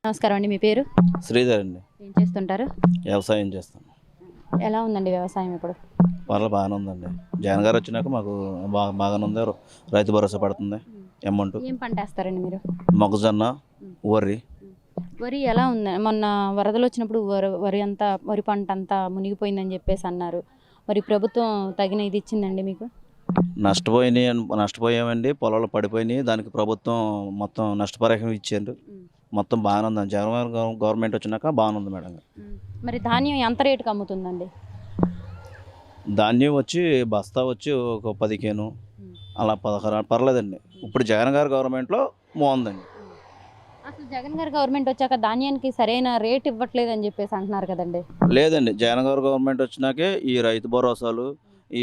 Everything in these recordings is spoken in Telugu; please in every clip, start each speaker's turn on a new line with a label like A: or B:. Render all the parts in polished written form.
A: నమస్కారం అండి. మీ పేరు?
B: శ్రీధర్ అండి.
A: ఏం చేస్తుంటారు?
B: వ్యవసాయం చేస్తాను.
A: ఎలా ఉందండి వ్యవసాయం ఇప్పుడు?
B: పర్లేదు బాగానే ఉందండి. జగన్ గారు వచ్చినాక మాకు బాగానే ఉంది. రైతు భరోసా పడుతుంది అమౌంట్.
A: ఏం పంట వేస్తారండి మీరు?
B: మొక్కజొన్న, వరి.
A: వరి ఎలా ఉంది? మొన్న వరదలు వచ్చినప్పుడు వరి పంట అంతా మునిగిపోయిందని చెప్పేసి అన్నారు. మరి ప్రభుత్వం తగిన ఇది ఇచ్చిందండి మీకు?
B: నష్టపోయామండి. పొలాలు పడిపోయినాయి. దానికి ప్రభుత్వం మొత్తం నష్టపరిహారం ఇచ్చారు. మొత్తం బాగానే ఉందండి. జగన్ గారు గవర్నమెంట్ వచ్చినాక బాగానే ఉంది మేడం.
A: మరి ధాన్యం ఎంత రేటుకి అమ్ముతుందండి?
B: ధాన్యం వచ్చి బస్తా వచ్చి ఒక 15 అలా 16 పర్లేదండి. ఇప్పుడు జగన్ గారు గవర్నమెంట్లో బాగుందండి.
A: అసలు జగన్ గారి గవర్నమెంట్ వచ్చాక ధాన్యానికి సరైన రేట్ ఇవ్వట్లేదని చెప్పేసి అంటున్నారు కదండి.
B: లేదండి, జగన్ గారు గవర్నమెంట్ వచ్చినాకే ఈ రైతు భరోసాలు, ఈ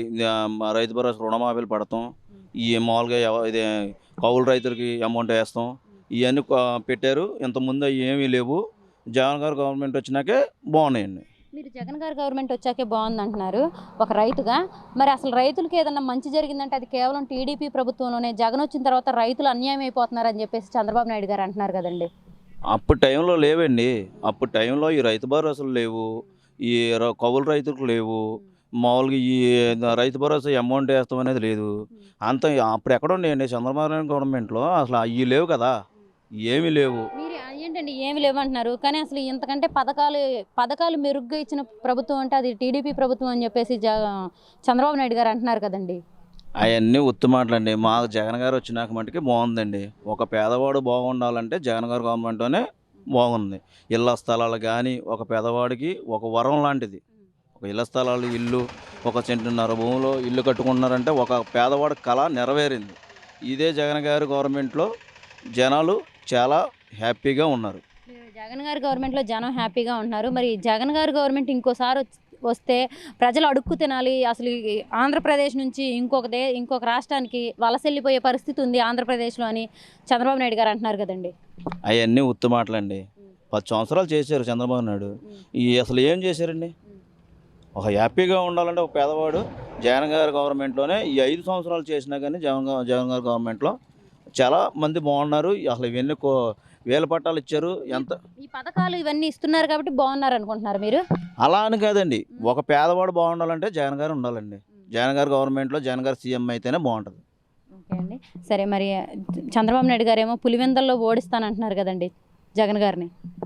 B: రైతు భరోసా రుణమాఫీలు పడతాం, ఈ మామూలుగా ఇది కౌలు రైతులకి అమౌంట్ వేస్తాం, ఇవన్నీ పెట్టారు. ఇంతకుముందు అవి ఏమీ లేవు. జగన్ గారు గవర్నమెంట్ వచ్చినాకే బాగున్నాయండి.
A: మీరు జగన్ గారి గవర్నమెంట్ వచ్చాకే బాగుంది అంటున్నారు ఒక రైతుగా. మరి అసలు రైతులకి ఏదన్నా మంచి జరిగిందంటే అది కేవలం టీడీపీ ప్రభుత్వంలోనే. జగన్ వచ్చిన తర్వాత రైతులు అన్యాయం అయిపోతున్నారని చెప్పేసి చంద్రబాబు నాయుడు గారు అంటున్నారు కదండి.
B: అప్పుడు టైంలో లేవండి. అప్పుడు టైంలో ఈ రైతు భరోసాలు లేవు, ఈ కౌలు రైతులకు లేవు, మామూలుగా ఈ రైతు భరోసా అమౌంట్ వేస్తాం అనేది లేదు. అంత అప్పుడు ఎక్కడ ఉన్నాయండి చంద్రబాబు నాయుడు గవర్నమెంట్లో? అసలు అవి లేవు కదా, ఏమీ లేవు.
A: మీరు ఏంటండి ఏమి లేవంటున్నారు? కానీ అసలు ఇంతకంటే పథకాలు మెరుగ్గా ఇచ్చిన ప్రభుత్వం అంటే అది టీడీపీ ప్రభుత్వం అని చెప్పేసి చంద్రబాబు నాయుడు గారు అంటున్నారు కదండి.
B: అవన్నీ ఉత్తు మాటలండి. మాకు జగన్ గారు వచ్చినాక మటుకి బాగుందండి. ఒక పేదవాడు బాగుండాలంటే జగన్ గారు గవర్నమెంట్లోనే బాగుంది. ఇళ్ల స్థలాలు కానీ ఒక పేదవాడికి ఒక వరం లాంటిది. ఒక ఇళ్ల స్థలాలు, ఇల్లు, 1 సెంటున్నర భూమిలో ఇల్లు కట్టుకున్నారంటే ఒక పేదవాడి కళ నెరవేరింది. ఇదే జగన్ గారి గవర్నమెంట్లో జనాలు చాలా హ్యాపీగా ఉన్నారు.
A: జగన్ గారి గవర్నమెంట్లో జనం హ్యాపీగా ఉన్నారు. మరి జగన్ గారి గవర్నమెంట్ ఇంకోసారి వస్తే ప్రజలు అడుక్కు తినాలి. అసలు ఆంధ్రప్రదేశ్ నుంచి ఇంకొక రాష్ట్రానికి వలస వెళ్ళిపోయే పరిస్థితి ఉంది ఆంధ్రప్రదేశ్లో అని చంద్రబాబు నాయుడు గారు అంటున్నారు కదండి.
B: అవన్నీ ఉత్తు మాటలండి. 10 సంవత్సరాలు చేశారు చంద్రబాబు నాయుడు. అసలు ఏం చేశారండి? ఒక హ్యాపీగా ఉండాలంటే ఒక పేదవాడు జగన్ గారి గవర్నమెంట్లోనే ఈ 5 సంవత్సరాలు చేసినా కానీ జగన్ గారి గవర్నమెంట్లో చాలా మంది బాగున్నారు. అసలు ఇవన్నీ వేల పట్టాలు ఇచ్చారు. ఎంత
A: ఈ పథకాలు ఇవన్నీ ఇస్తున్నారు కాబట్టి బాగున్నారు అనుకుంటున్నారు మీరు?
B: అలా అని కాదండి. ఒక పేదవాడు బాగుండాలంటే జగన్ గారు ఉండాలండి. జగన్ గారి గవర్నమెంట్లో జగన్ గారు సీఎం అయితేనే బాగుంటుంది.
A: ఓకే అండి, సరే. మరి చంద్రబాబు నాయుడు గారు ఏమో పులివెందల్లో ఓడిస్తానంటున్నారు కదండి జగన్ గారిని.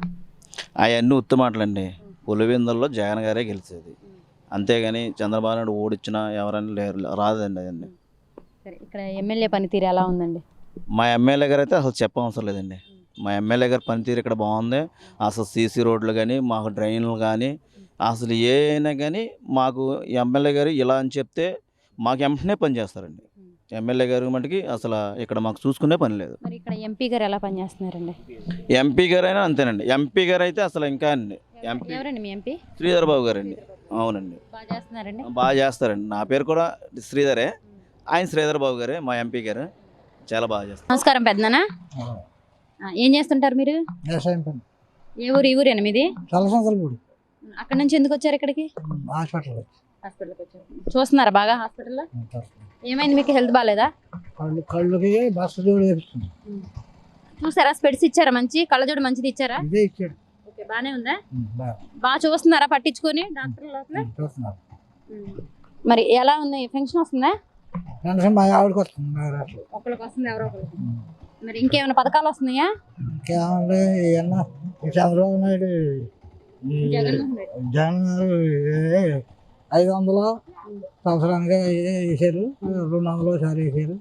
B: అవన్నీ ఉత్తు మాటలండి. పులివెందుల్లో జగన్ గారే గెలిచేది, అంతేగాని చంద్రబాబు నాయుడు ఓడిచ్చినా ఎవరైనా రాదండి అవన్నీ.
A: సరే, ఇక్కడ ఎమ్మెల్యే పనితీరు ఎలా ఉందండి?
B: మా ఎమ్మెల్యే గారు అయితే అసలు చెప్పవసరం లేదండి. మా ఎమ్మెల్యే గారి పనితీరు ఇక్కడ బాగుంది. అసలు సీసీ రోడ్లు కానీ, మాకు డ్రైన్లు కానీ, అసలు ఏ అయినా కానీ మాకు ఎమ్మెల్యే గారు ఇలా అని చెప్తే మాకు వెంటనే పని చేస్తారండి. ఎమ్మెల్యే గారు మటుకి అసలు ఇక్కడ మాకు చూసుకునే పని లేదు.
A: మరి ఇక్కడ ఎంపీ గారు ఎలా పనిచేస్తున్నారండి?
B: ఎంపీ గారు అయినా అంతేనండి. ఎంపీ గారు అయితే అసలు ఇంకా అండి.
A: ఎవరండి మీ ఎంపీ?
B: శ్రీధర్ బాబు గారండి. అవునండి,
A: బాగా చేస్తున్నారండి.
B: బాగా చేస్తారండి. నా పేరు కూడా శ్రీధరే. ఆయన శ్రీధర్ బాబు గారే మా ఎంపీ గారు. చాలా బాగా చేస్తారు.
A: నమస్కారం పెద్దనా. ఏం చేస్తుంటారు మీరు?
C: వ్యవసాయం పని.
A: ఏ ఊరు? ఈ ఊరేనా మీది?
C: చల్లసంతలపూడి.
A: అక్కడ నుంచి ఎందుకు వచ్చారు ఇక్కడికి?
C: హాస్పిటల్కి
A: వచ్చారు. చూస్తున్నారా బాగా హాస్పిటల్లో? ఏమైంది మీకు? హెల్త్ బాగాలేదా?
C: కళ్ళుకి బస్సు జోడు వేపిస్తుంది.
A: చూసారా? స్పెడ్స్ ఇచ్చారా? మంచి కళ్ళజోడు మంచిది ఇచ్చారా?
C: ఇదే ఇచ్చాడు.
A: ఓకే, బాగానే ఉందా? బాగా చూస్తున్నారా పట్టించుకొని డాక్టర్ లోపల?
C: చూస్తున్నారు.
A: మరి ఎలా ఉంది? ఫంక్షన్ వస్తుందా?
C: పెన్షన్ మా ఆవిడకి వస్తుంది.
A: ఒకరికి వస్తుంది, ఎవరో ఒకరికి. మరి ఇంకేమైనా పథకాలు వస్తున్నాయా?
C: ఇంకేమంటే ఏమన్నా చంద్రబాబు నాయుడు జగన్ గారు 500 సంవత్సరానికి వేసారు, 200 ఒకసారి వేసారు.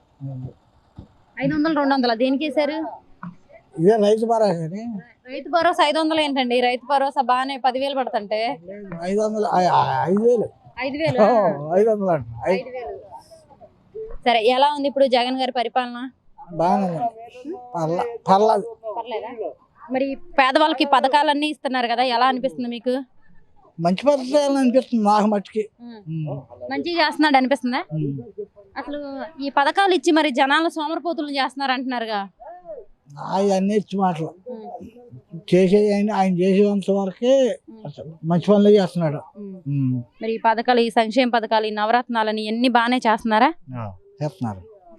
A: 500, 200 దేనికి వేసారు?
C: ఇదే రైతు భరోసా అని.
A: రైతు భరోసా 500 ఏంటండి? రైతు భరోసా బాగానే 10,000 పడుతుంటే
C: 500 5,000 500 అంట.
A: 5,000. సరే, ఎలా ఉంది ఇప్పుడు జగన్ గారి పరిపాలన?
C: బాగానే పర్లేదు.
A: పర్లేదా? మరి పేదవాళ్ళకి పథకాలన్నీ ఇస్తున్నారు కదా, ఎలా అనిపిస్తుంది మీకు?
C: మంచి పద్ధతి అనిపిస్తుంది నాకు మట్టుకి.
A: మంచిగా చేస్తున్నాడు అనిపిస్తుందా? అసలు ఈ పథకాలు ఇచ్చి మరి జనాలు సోమరపోతులు చేస్తున్నారు అంటున్నారుగా.
C: అవన్నీ ఇచ్చి మాటలు చేసేది ఆయన చేసేంత వరకే మంచి పనులు చేస్తున్నాడు.
A: మరి ఈ పథకాలు, ఈ సంక్షేమ పథకాలు, ఈ నవరత్నాలని ఎన్ని బాగానే చేస్తున్నారా?
C: చేస్తున్నారు.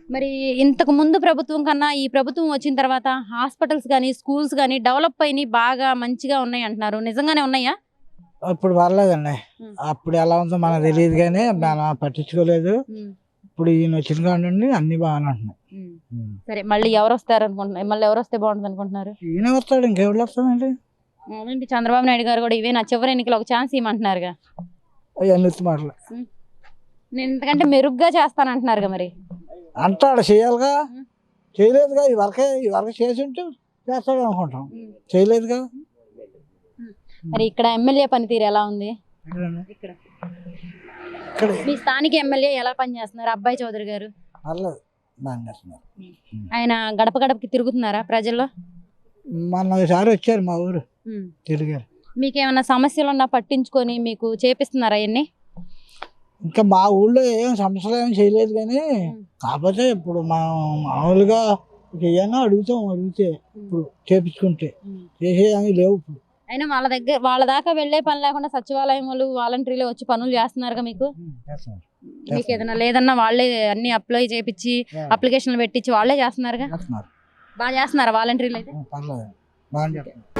A: మరి ఇంతకు ముందు ప్రభుత్వం కన్నా ఈ ప్రభుత్వం వచ్చిన తర్వాత హాస్పిటల్స్ కానీ స్కూల్స్ కానీ డెవలప్ అయినాయి, బాగా మంచిగా ఉన్నాయి అంటున్నారు. నిజంగానే ఉన్నాయా?
C: అప్పుడు పర్లేదండి.
A: ఉమ్.
C: అప్పుడు ఎలా ఉందో మనకు తెలియదు కానీ మనం పట్టించుకోలేదు.
A: ఉమ్.
C: ఇప్పుడు ఈయన వచ్చిన కాడ నుండి అన్ని బాగానే ఉంటున్నాయి.
A: ఉమ్. సరే, మళ్ళీ ఎవరు వస్తారు అనుకుంటున్నారు? మళ్ళీ ఎవరు వస్తే బాగుంటుంది అనుకుంటున్నారు?
C: ఈయన వస్తాడు, ఇంకెవరు వస్తాడండి?
A: అవునండి, చంద్రబాబు నాయుడు గారు కూడా ఇవే నా చివరి ఎన్నికలు ఒక ఛాన్స్ ఇవ్వమంటున్నారుగా.
C: అవన్నీ ఉత్తి మాటలు
A: నేను ఇంతకంటే మెరుగ్గా చేస్తానంటున్నారుగా. మరి
C: అంటాడు, చేయాలిగా, చేయలేదుగా. ఈ వరకు చేసి ఉంటే చేస్తాడు అనుకుంటాం, చేయలేదుగా.
A: మరి ఇక్కడ ఎమ్మెల్యే పనితీరు ఎలా ఉంది? ఇక్కడ
C: ఇక్కడ
A: మీ స్థానిక ఎమ్మెల్యే ఎలా పనిచేస్తున్నారు? అబ్బాయి చౌదరి గారు
C: పర్లేదు, బాగా చేస్తున్నారు.
A: ఆయన గడప గడపకి తిరుగుతున్నారా ప్రజల్లో?
C: మొన్న ఒకసారి వచ్చారు మా ఊరు, తిరిగారు.
A: మీకేమన్నా సమస్యలు ఉన్నా పట్టించుకొని మీకు చేపిస్తున్నారా అవన్నీ?
C: ఇంకా మా ఊళ్ళో ఏం సమస్యలు ఏం చేయలేదు కానీ, కాకపోతే ఇప్పుడు మనం మామూలుగా ఏమైనా అడిగితే ఇప్పుడు చేపించుకుంటే చేసేవి లేవు. ఇప్పుడు
A: అయినా వాళ్ళ దాకా వెళ్ళే పని లేకుండా సచివాలయం వాళ్ళు వాలంటీర్లు వచ్చి పనులు చేస్తున్నారుగా. మీకు
C: చేస్తున్నారు.
A: మీకు ఏదైనా లేదన్నా వాళ్ళే అన్ని అప్లై చేపించి అప్లికేషన్లు పెట్టించి వాళ్ళే చేస్తున్నారుగా.
C: చేస్తున్నారు.
A: బాగా చేస్తున్నారా వాలంటీర్లు అయితే?
C: పర్లేదు, బాగా చేస్తున్నారు.